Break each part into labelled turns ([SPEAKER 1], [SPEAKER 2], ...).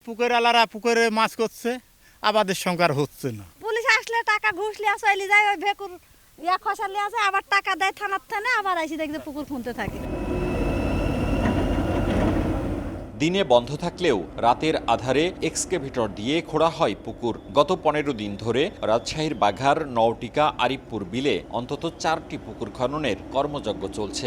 [SPEAKER 1] পুকুর আলারা পুকুরে মাছ করছে, আবাদের সংখ্যার হচ্ছে না।
[SPEAKER 2] পুলিশ আসলে টাকা ঘুষ লিয়া চলে যায়, ওই ভেকুর খসা লিয়া যায়, আবার টাকা দেয় থানার থানে, আবার এসে দেখতে পুকুর খুনতে থাকে।
[SPEAKER 3] দিনে বন্ধ থাকলেও রাতের আধারে এক্সকেভেটর দিয়ে খোঁড়া হয় পুকুর। গত 15 দিন ধরে রাজশাহীর বাঘার নওটিকা আরিফপুর বিলে অন্তত 4টি পুকুর খননের কর্মযজ্ঞ চলছে।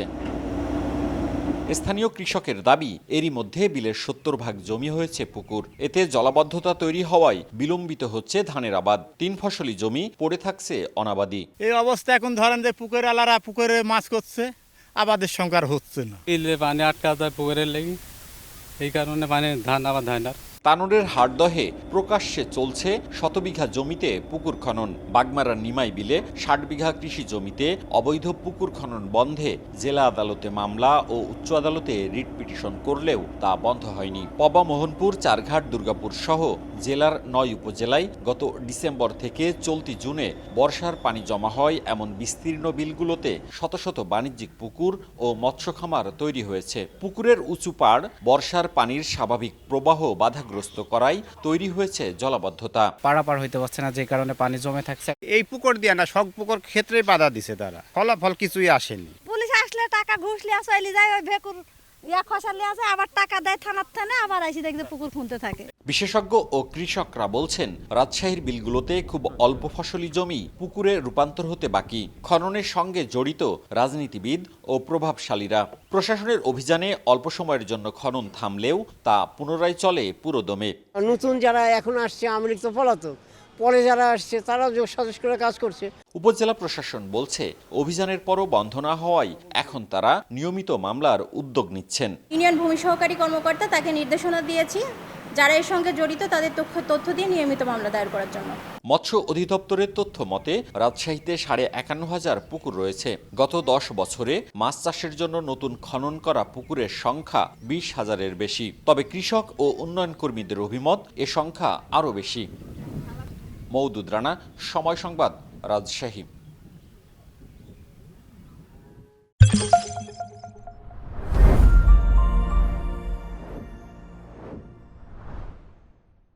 [SPEAKER 3] স্থানীয় কৃষকের দাবি, এরই মধ্যে বিলের 70% জমি হয়েছে পুকুর। এতে জলাবদ্ধতা তৈরি হওয়ায় বিলম্বিত হচ্ছে ধানের আবাদ। 3 ফসলি জমি পড়ে থাকছে অনাবাদি।
[SPEAKER 1] এই অবস্থা এখন ধরেন যে পুকুর আলারা পুকুরে মাছ করছে, আবাদের সংখ্যার হচ্ছে না।
[SPEAKER 4] বিলে পানি আটকা যায় পুকুরের লেগে, এই কারণে পানি ধান আবার ধান আর
[SPEAKER 3] তানোরের হাটদহে প্রকাশ্যে চলছে শতবিঘা জমিতে পুকুর খনন। বাগমারার নিমাই বিলে 60 বিঘা কৃষি জমিতে অবৈধ পুকুর খনন বন্ধে জেলা আদালতে মামলা ও উচ্চ আদালতে রিট পিটিশন করলেও তা বন্ধ হয়নি। পবা, মোহনপুর, চারঘাট, দুর্গাপুর সহ জেলার 9 উপজেলায় গত ডিসেম্বর থেকে চলতি জুনে বর্ষার পানি জমা হয় এমন বিস্তীর্ণ বিলগুলোতে শত শত বাণিজ্যিক পুকুর ও মৎস্য খামার তৈরি হয়েছে। পুকুরের উঁচু পাড় বর্ষার পানির স্বাভাবিক প্রবাহ বাধা করায় তৈরি হয়েছে জলাবদ্ধতা।
[SPEAKER 5] পারাপার হইতে পারছে না, যে কারণে পানি জমে থাকছে।
[SPEAKER 6] এই পুকুর দিয়ে না, সব পুকুর ক্ষেত্রে বাধা দিছে তারা, ফলাফল কিছুই আসেনি।
[SPEAKER 2] পুলিশ আসলে টাকা ঘুষ লিয়া চলে যায়, ওই ভেকুর খসা লিয়া যায়, আবার টাকা দেয় থানার থানে, আবার এসে দেখতে পুকুর খুনতে থাকে।
[SPEAKER 3] বিশেষজ্ঞ ও কৃষকরা বলছেন, রাজশাহীর বিলগুলোতে খুব অল্প ফসলি জমি পুকুরে রূপান্তর হতে বাকি। খননের সঙ্গে জড়িত রাজনীতিবিদ ও প্রভাবশালীরা। প্রশাসনের অভিযানে অল্প সময়ের জন্য খনন থামলেও তা পুনরায় চলে পুরোদমে।
[SPEAKER 7] নতুন যারা এখন আসছে আমলিক তো পলাতক, পরে যারা আসছে তারাও সাজেশ করে কাজ করছে।
[SPEAKER 3] উপজেলা প্রশাসন বলছে, অভিযানের পরও বন্ধ না হওয়ায় এখন তারা নিয়মিত মামলার উদ্যোগ নিচ্ছেন।
[SPEAKER 8] ইউনিয়ন ভূমি সহকারী কর্মকর্তা তাকে নির্দেশনা দিয়েছি যারা এর সঙ্গে জড়িত তাদের তথ্য দিয়ে নিয়মিত মামলা দায়ের করার জন্য।
[SPEAKER 3] মৎস্য অধিদপ্তরের তথ্য মতে রাজশাহীতে 51,500 পুকুর রয়েছে। গত 10 বছরে মাছ চাষের জন্য নতুন খনন করা পুকুরের সংখ্যা 20,000-এর বেশি। তবে কৃষক ও উন্নয়ন কর্মীদের অভিমত, এ সংখ্যা আরও বেশি। মওদুদ রানা, সময় সংবাদ, রাজশাহী।